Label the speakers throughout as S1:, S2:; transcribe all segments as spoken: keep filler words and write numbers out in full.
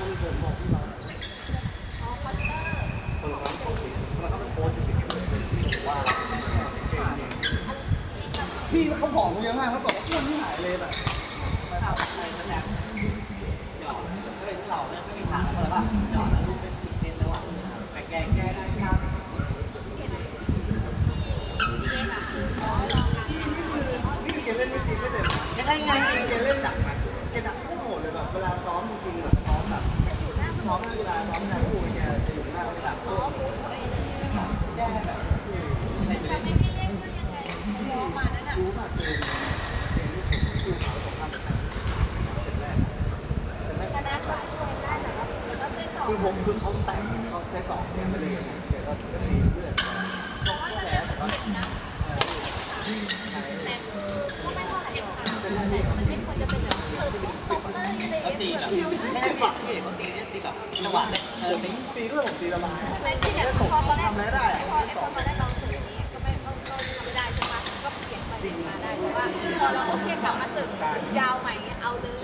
S1: คนผมบอกที่เราอ๋อคอสเตอร์คนละคนคนละเขาเป็นโค้ชอยู่สิบว่าพี่เขาผอมเยอะมากเขาบอกว่าอ้วนที่หายเลยแบบ
S2: ข่าวอะไรแสดงหยอดก็เลยที่เราเนี่ยไม่มีทางเลยว่าหยอดแล้วลูกเป็นสิบเซนแล้วอ่ะแต่แกแก้ได้ครับ
S1: นี่คือเกเล่นไม่จริงไม่เต็มไม่ใช่ไงเกเล่นหนักนะเกหนักโคตรโหดเลยแบบเวลาซ้อมจริงๆแบบซ้อมแบบซ้อมเวลาซ้อมงานคู่แกจะอยู่หน้าเวลาอ๋อแก้แบบไม่ไม่เล่นก็ยังไงซ้อมมานั่นน่ะรู้มากเกินเกมที่ผมดูเขาของทำแบบชนะสองคนได้แต่ว่าก็เส้นต่อคือผมคือเขาแต่เขาแค่สองเกมไม่เลยเกมก็ดีเรื่อยเพราะว่าแพ้แต่ก็นะแต่ก็ไม่เท่าไหร่ค่ะแต่มันไม่ควรจะเป็นแบบเออตบเลยอะไรอย่างเงี้ยตีแบบ
S2: ไม่ได้ตีที่เด็กเขาตีเนี่ยตีแบบจังหวะเลยเออตี
S1: ตีด้วยผมตีละลาย
S3: ไม่ที่แบบพอตอนแรกทำอะไรได้พอพอตอนแรกลองสึกนี้ก็ไม่ก็ก็ทำไม่ได้ใช่ไหมก็เปลี่ยนไปเปลี่ยนมาได้แต่ว่าพอเราโอเคกลับมาสึกยาวใหม่เอาเลย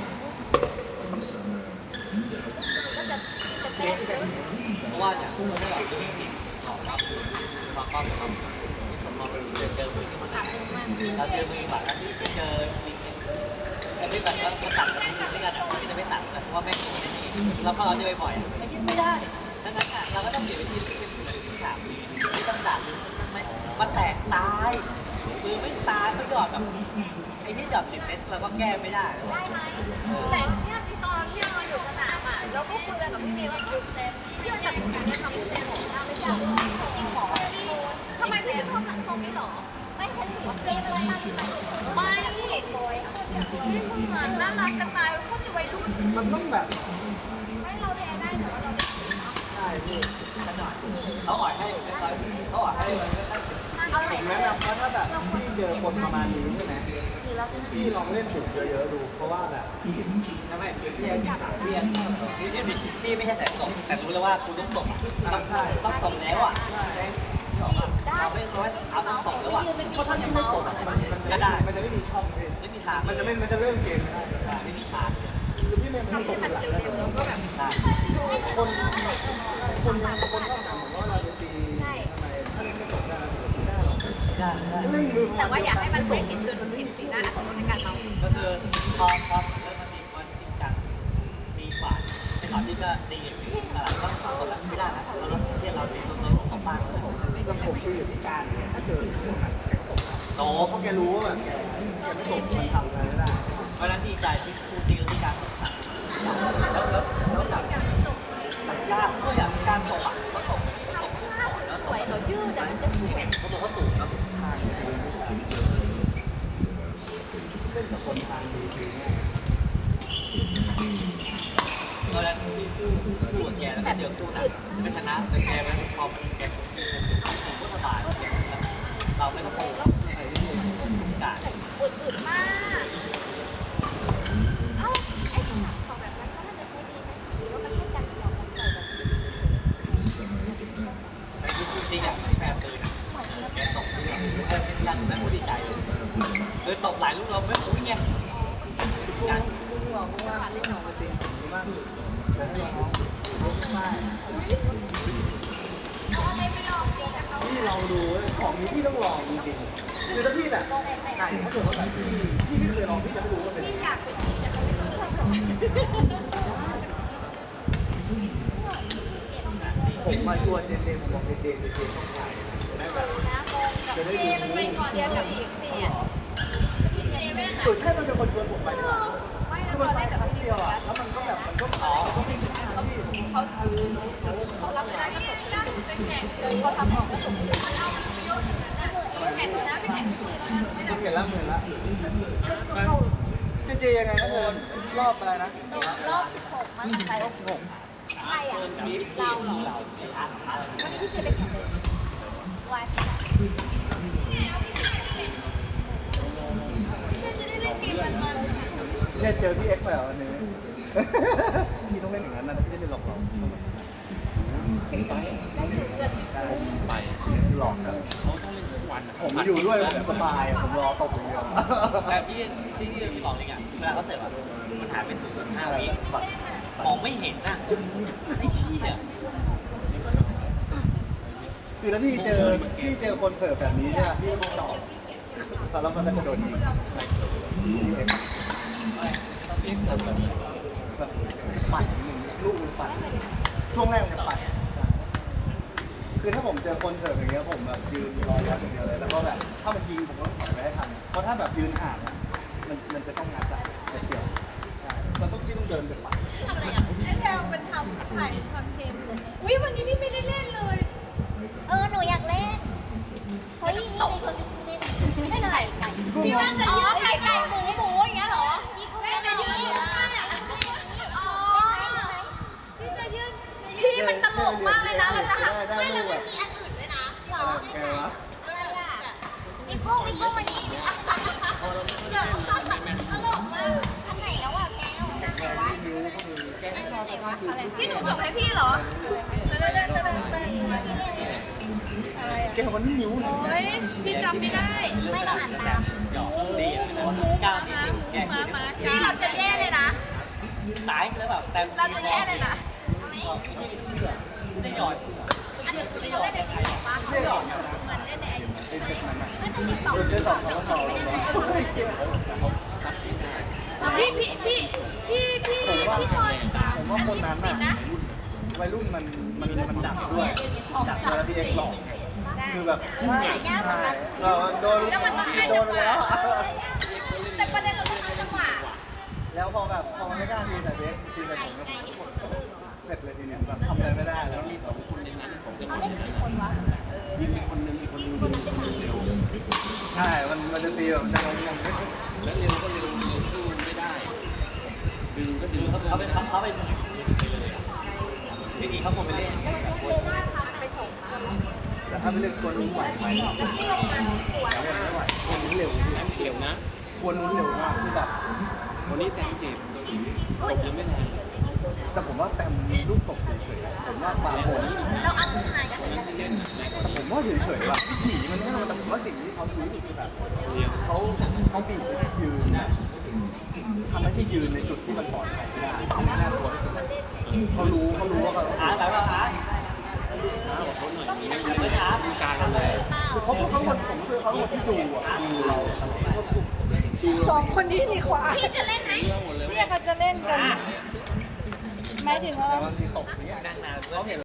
S3: ก็จะจะเต้น
S2: เพราะว่าจากคู่เราได้แบบไม่มีสองรอบมาครอบกับเราผมมองเป็นเจอเจอมือที่มันเราเจอมือแบบนั้นที่เจอลิงแต่ที่แบบก็ตัดกันด้วยกันอ่ะที่จะไม่ตัดเพราะว่าแม่งโง่นี่แล้วพอเราเจอบ่อยๆไม่คิดไม่ได้ดังนั้นอ่ะเราก็ต้องเปลี่ยนวิธีเป็นเหมือนที่สามที่ต้องตัดมันมันแตกตายมือไม่ตายเขาหยอดแบบไอ้ที่หยอดสิบเมตรเราก็แก้ไม่ได้
S3: ได้ไหมแต่เนี่ยที่ตอนที่เราอยู่สนามอ่ะเราก็คุยกันกับพี่เมย์ว่าพี่เราจัดการเนี่ยทำเป็นของเราไม่ใช่จริงหรอทำไมพี่ชอบหนังทรงนี้หรอไม่เห็นหัวเกมอะไรมาไม่บอยที่มึงเหมือนน่ารักกันตายก็จะวัยรุ่น
S1: มันต้องแบบ
S3: ไม่เราแพ้ได้แต่ว่าเรา
S1: ใช่พี่
S2: ขนาดเขาอ่อยให้เขาอ่อยให้มันก็ได้
S1: ผมแนะนำว่าถ้าแบบพี่เจอคนประมาณนี้ใช่ไหมพี่ลองเล่นบุกเยอะๆดูเพราะว่าแบบ
S2: ทำไมเรียนเรียนนี่ที่ที่ไม่ใช่แต่ตกแต่รู้แล้วว่าคุณต้องตกต้องต้องตกแล้วอ่ะเราไม่ร้อยเอาต้องตกแล้วอ่ะ
S1: เพราะถ้าที่ไม่ตกมันมันจะได้มันจะไม่มีช่องเลย
S2: ไม่มีทาง
S1: มันจะไม่มันจะเริ่มเกมไม่ได้
S2: ไม่มีทาง
S1: คือพี่เมย์ทำตกเป็นหลักแล้วก็แบบคนคนยังคนชอบถามผมว่าเราจะตีทำไมถ้าเล่นไม่ตกได้ไม่ได้หรอกเล่นมือ
S3: แต่ว่าอยากให้มันไม่เห็นจนมันเห็นสีหน้าอัศจรรย์ในการเมา
S2: ก็คือพอพอเริ่มมาตีมันจริงจังตีกว่าไอ้ตอนที่ก็ตีกันอยู่ตลาดต้องต้องกดไม่ได้นะเราต้องเรียกเราตีต้นของบ้าน
S1: แล้วผมคืออยู่ที่การถ้าเจอพวกนั้นแกตก
S2: โต
S1: เพราะแกรู้ว่าแบบแกแกไม่ตกมันทำอะไรไม่ได้
S2: เพราะนั้นดีใจที่ครูตีกับที่การตกแล้วแล้วแล้วแบบยากก็อย่างการตกอ่ะก็ตกก็ตกขึ้นก่อนแล้ว
S3: สวยเขายืดแต่มันจะสวย
S2: เขาบอกเขาสูงนะ
S1: ทางเล่นกับคนทางดีคือ
S2: ตอนแรกที่คู่คู่กับแกแล้วก็เจอคู่หนักก็ชนะแต่แกมันพอมันแกผมก็สบายเราไม่ต้องโผล่กาด
S3: อึดๆมากเอ้าไอ้ของแบบนั้นก็น่าจะใช้ดีไหมหรือว่ามันแค่กันหลอกกันใส่แบบ
S2: ไอ้คู่จริงอ่ะแฟนตื่นแกตกที่แบบเออเป็นยันแม่ผู้ดีใจเลยเลยตกหลายลูกเราไม่รู้ไง
S1: การลูกเราเพราะว่าลูกเราเป็นตีดีมากเลยให้น้องไม่พี่ลองดูของนี้พี่ต้องลองจริงๆคือถ้าพี่แบบอ่านถ้าเกิดว่าแบบพี่พี่ไม่เคยลองพี่จะไม่รู้ว่าเป็น
S3: พี่อยากเป็นพี่แต่ไม่รู้ทำหรอก
S1: ผมมาชวนเจนเจนผมบอกเจนเจนเจนต้องถ่าย
S3: จะได้ดูมันเป็นคอนเดียวกับอีกพี่อ่ะพี่เจไม่ได้
S1: ใช่มันเป็นคนชวนผมไปคือมันไปครั้งเดียวอ่ะแล้วมันก็แบบมันก็ขอเขาไม่ถึงเขาพี่
S3: เขาเขารับไม่ได้ก็ส่งเป็นแข่งเลยเขาทำออกก็ส่งมันเอาเยอะขนาดนั้นแข่งชนะไปแข่งชื่อแล้วนะ
S1: เห็นแล้วเหมือนแล้วเจเจยังไงนะเธอรอบอะไรนะ
S3: รอบสิบหกมันใครรอบสิบหกใช่อ่ะเราเหรอวันนี้พี่เจไปแข่งเลยวายพี่จะได้เล่นเกมมันมัน
S1: เนี่ยเจอพี่เอ็กซ์ไปแล้ววันนี้พี่ต้องเล่นอย่างนั้นนะพี่เล่นหลอกหลอกไปไปหลอกกันผมอยู่ด้วยแบบสบายผมรอตกอย่างเดียว
S2: แต่ที่ที่ที่บอกเลยอ่ะเวลาเขาเสร็จอ่ะมันหายไปสุดๆห้าวิมองไม่เห็นน่ะไอ้เชี่ย
S1: คือถ้าพี่เจอพี่เจอคนเสิร์ฟแบบนี้เนี่ยพี่ต้องตอบแต่แล้วมันก็จะโดนยิงแบบปั่นหนึ่งลูกมันปั่นช่วงแรกมันจะปั่นคือถ้าผมเจอคนเสิร์ฟอย่างเงี้ยผมแบบยืนรอรับอย่างเดียวเลยแล้วก็แบบถ้ามันยิงผมก็ต้องถอยไปให้ทันเพราะถ้าแบบยืนห่างมันมันจะต้องงัดอะจะเกี่ยวเราต้องพี่ต้องเดินไปปั่น
S3: ทำอะไรอ่ะไอ้แพลวเป็นทำถ่ายคอนเทนต์อุ้ยวันนี้พี่ไม่ได้เล่นเลย
S4: เออ หนูอยากเล่น เฮ้ย นี่มีคนเล่นไม่เลยไก่
S3: พี่ว่าจะยืดไก่ไก่หมูหมูอย่างเงี้ยเหรอ
S4: พี่กุ้ง
S3: แม่
S4: เล่น
S3: จะ
S4: จะ
S3: ยื
S4: ยื
S3: ด
S4: ด
S3: ข้างอ่ะอ๋อพี่จะยืดพี่มันตลกมากเลยนะเราจะหักไม่แล้วมันมีอันอื่นด้วยนะหรอ
S1: แกวะ
S4: อะไรอ่ะพี่กุ้งพี่กุ้งวันนี้
S3: เดี๋ยวตลกมาก
S4: อันไหนแล้วอ่ะแกวอันไหนวะ
S1: นิ้วก็มือ
S4: อันไหนวะอะไร
S3: ที่หนูส่งให้พี่เหรอเดินเดินเดินเดินเดินอะไรอ่ะ
S1: แกวันนี้นิ้วไหน
S3: โอ้ยพี่จำไม่ได้
S4: ไม่เราอ่านตาม
S2: หยอกดีอ่ะก้าวนี้แก
S3: มามาพี่เราจะแย่เลยนะ
S2: สายแล้วแบบแต่
S3: เราจะแย่เลยนะ
S4: เอาไหม
S2: ไม่ได้เชื่อไม่ได้หยอดเชื่อ
S3: อันนี้คือเขาเล่นในติ๊กต็อกปะ
S1: ไม่หรอก
S3: เหมือนเล่นในไอจี
S1: ไอ้เซ็ตนั้นอ่ะ
S4: ไม่เป็นติ๊กต็อก
S1: เออเซ็ตสองเขาก็ต่อลงมาไม่เชื่อ
S3: พี่พี่พี่พี่พี่
S1: ผมว่า
S3: พี่ทอย
S1: ผมว่าคนนั้น
S3: ปิด
S1: อ่ะ
S3: นะ
S1: วัยรุ่นมันมันมันดักด้วยดักแล้วพี่เอกหลอกคือแบบใช่ใช่เราโดน
S3: แล้วมันต้องให้
S1: โด
S3: จั
S1: น
S3: งห
S1: ไปแล้ว
S3: วะ
S1: อะ
S3: แต่ประเด็นเราต้องเอาจังหวะ
S1: แล้วพอแบบพอมันไม่กล้าตีใส่เบสตีใส่ผมก็เสร็จเลยทีเนี้ยแบบทำอะไรไม่ได้แล้วมีสองคนในนั้นผมจะ
S3: เขาเล่นกี่คนวะ
S1: ใช่มันมันจะตีแบบจะงงง
S5: แล้วเร็วก็เร็วเร็วสู้ไม่ได้ ดึงก็ดึง
S2: เขาเขาเป็นเขาเป็นวิธีเขาคงไปเล่น
S3: ไปส่งมา
S1: แต่ถ้าไปเล่นตัวนู้นไหวไหม
S3: แล้วที่โรงงานตัว
S1: เล่นไม่ไหวตัวนู้นเร็วสิ
S5: แอมเกี่ยวนะ
S1: ตัวนู้นเร็วมากคือแบบ
S5: วันนี้แตงเจ็บตัวหนีตกยังไม่แรง
S1: แต่ผมว่าแต้มลูกตกเฉยๆผมว่าบางคน
S3: เราเอามือไหนกัน
S5: วันนั้นที่เล่นน่ะแรงกว่านี้
S1: ผมว่าเฉยๆแบบผีมันไม่ทำแต่ผมว่าสิ่งที่เขาดูคือแบบ
S5: เรียว
S1: เขาเขาบีบให้ยืนทำให้พี่ยืนในจุดที่มันปลอดภัยไม่ได้ไม่น่ากลัวที่สุดเขารู้เขารู้ว่าเขา
S2: อาร์ตแบบว่าอาร์ต
S5: ช้ากว่าเขาหน่อยนี่
S2: ไม่อาร์ต
S5: ดูการเราเลย
S1: คือเขาเขาคนผมคือเขาคนที่ดูอ่ะดูเราดู
S3: สองคนนี้นี่ขวา
S4: พี่จะเล่นไหม
S5: หมดเลย
S3: เนี่ยเขาจะเล่นกันหมายถึงว่า
S1: แต่บางทีตกเนี้ย
S2: นั่งนาน
S1: เขาเห็น